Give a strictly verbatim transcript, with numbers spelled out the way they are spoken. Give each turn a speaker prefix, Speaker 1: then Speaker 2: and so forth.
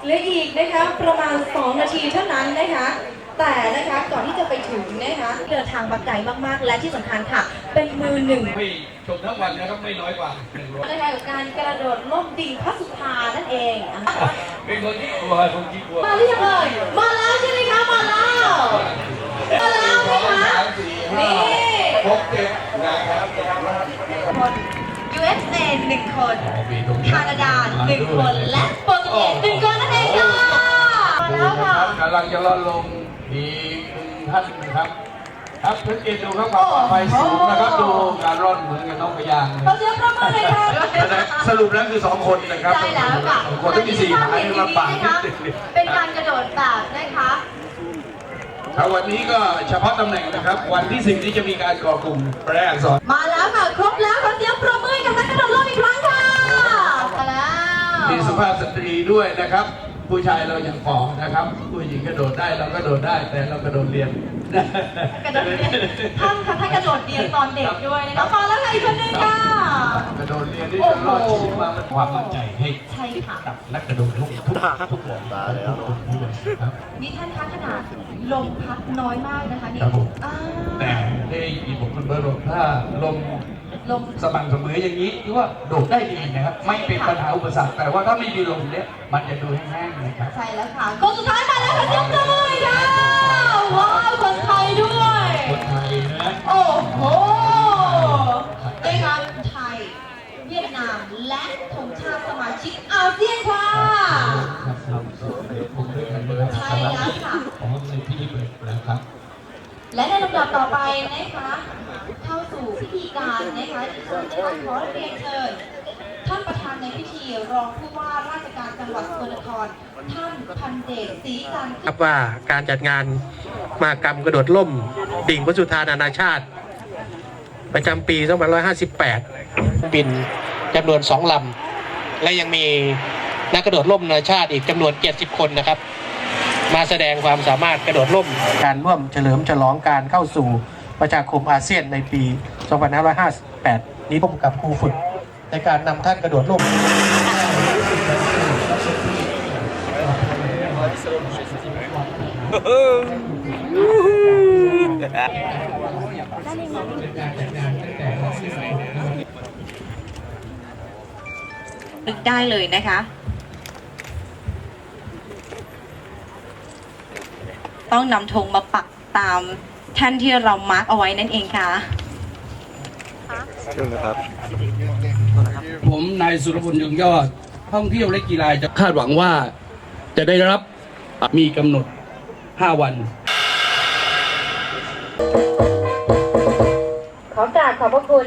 Speaker 1: เหลืออีกนะคะประมาณสองนาทีเท่านั้นนะคะแต่นะคะก่อนที่จะไปถึงนะคะเดินทางมาไกลมากๆและที่สำคัญค่ะเป็นมือหนึ่ง
Speaker 2: ไม่ชมทั้งวันนะครับไม่น้อยกว่าหนึ่งร้อย
Speaker 1: นะคะกับการกระโดดล่มดิ่งพระสุธานั่นเอง
Speaker 2: เป็นคนที่กลัวคนที่กลัว
Speaker 1: มาหรือยังเอ่ยมาแล้วใช่ไหมคะมาแล้วมาแล้วนะคะนี่
Speaker 2: หกเจ็ดนะครับ
Speaker 1: คน ยู เอส เอ หนึ่งคนแคนาดาหนึ่งคนและโปรตุเกสหนึ่งคนนั่นเองค่ะมาแล้วค่ะ
Speaker 2: กำลังจะลดลงอีกท่านนะครับครับสังเกตดูครับความปลอดภัยสูงนะครับดูการร่อนเหมือนกับน้องพยาง
Speaker 1: เราเสียงประมาณเลยค่ะ
Speaker 2: สรุปแล้วคือสองคนนะครับ
Speaker 1: ใช่แล้วค่ะ
Speaker 2: คนที่มีสี่หายลำบาก
Speaker 1: เป็นการกระโดดแบบนะคะ
Speaker 2: ครับวันนี้ก็เฉพาะตำแหน่งนะครับวันที่สิบนี้จะมีการก่อกลุ่มแปลอักษร
Speaker 1: มาแล้วค่ะครบแล้วขอเสียงประมือกับนักกระโดดร่มอีกครั้งค่ะมาแล้ว
Speaker 2: มีสุภาพสตรีด้วยนะครับผู้ชายเรายังปอนะครับผู้หญิงกระโดดได้เราก็โดดได้แต่เรากระโดดเรียน
Speaker 1: กระโดดเรียนท่านค่ะท่านกระโดดเรียนตอนเด็กด้วยนะคะมาแล้วค่ะอีกคนนึงค่ะ
Speaker 2: กระโดดเรียนที่จะรอดชีวิตมาความมั่นใจให้
Speaker 1: ใช่ค่ะ
Speaker 2: กับนักกระโดดทุกทุกทุกคนตาแล้ว
Speaker 1: นี่ท่านคะขนาดลมพัดน้อยมากนะคะนี่
Speaker 2: แต่ได้ยินผมคุณเบิร์ตบอกถ้าลม
Speaker 1: ลม
Speaker 2: สม่ำเสมออย่างนี้ถือว่าโดดได้ดีนะครับไม่เป็นปัญหาอุปสรรคแต่ว่าถ้าไม่มีลมเนี่ยมันจะดูแห้งๆนะครับ
Speaker 1: ใช่แล้วค่ะคนสุดท้ายมาแล้วค่ะเจ้าเลยค่ะว้าวคนไทยด้วย
Speaker 2: คนไทยนะ
Speaker 1: โอ้โหได้ครับไทยเวียดนามและธงชาติสมาชิกอาเซียนค่ะใช่แล้วค่ะ
Speaker 2: ของในพิธีเปิดนะครับ
Speaker 1: และในลำดับต่อไปนะคะเข้าสู่พิธีการนะคะที่ฉันจะขอเรียนเชิญท่านประธานในพิธีรองผู้ว่าราชการจังหวัดสกลนครท่านพันเดชศรีการ
Speaker 3: ครับว่าการจัดงานมหกรรมกระโดดร่มดิ่งพระสุธานานาชาติประจำปีสองพันห้าร้อยห้าสิบแปดบินจำนวนสองลำและยังมีนักกระโดดร่มนานาชาติอีกจำนวนเจ็ดสิบคนนะครับมาแสดงความสามารถกระโดดร่มการร่วมเฉลิมฉลองการเข้าสู่ประชาคมอาเซียนในปีสองพันห้าร้อยห้าสิบแปดนี้ร่วมกับครูฝึกในการนำท่านกระโดดร่ม
Speaker 1: นึกได้เลยนะคะต้องนำธงมาปักตามแท่นที่เรามาร์กเอาไว้นั่นเองค่ะ
Speaker 4: เชิญนะครับ
Speaker 2: ผมนายสุรพลยงยอดท่องเที่ยวและกีฬาจะคาดหวังว่าจะได้รับมีกำหนดห้าวัน
Speaker 1: ขอกราบขอบพระคุณ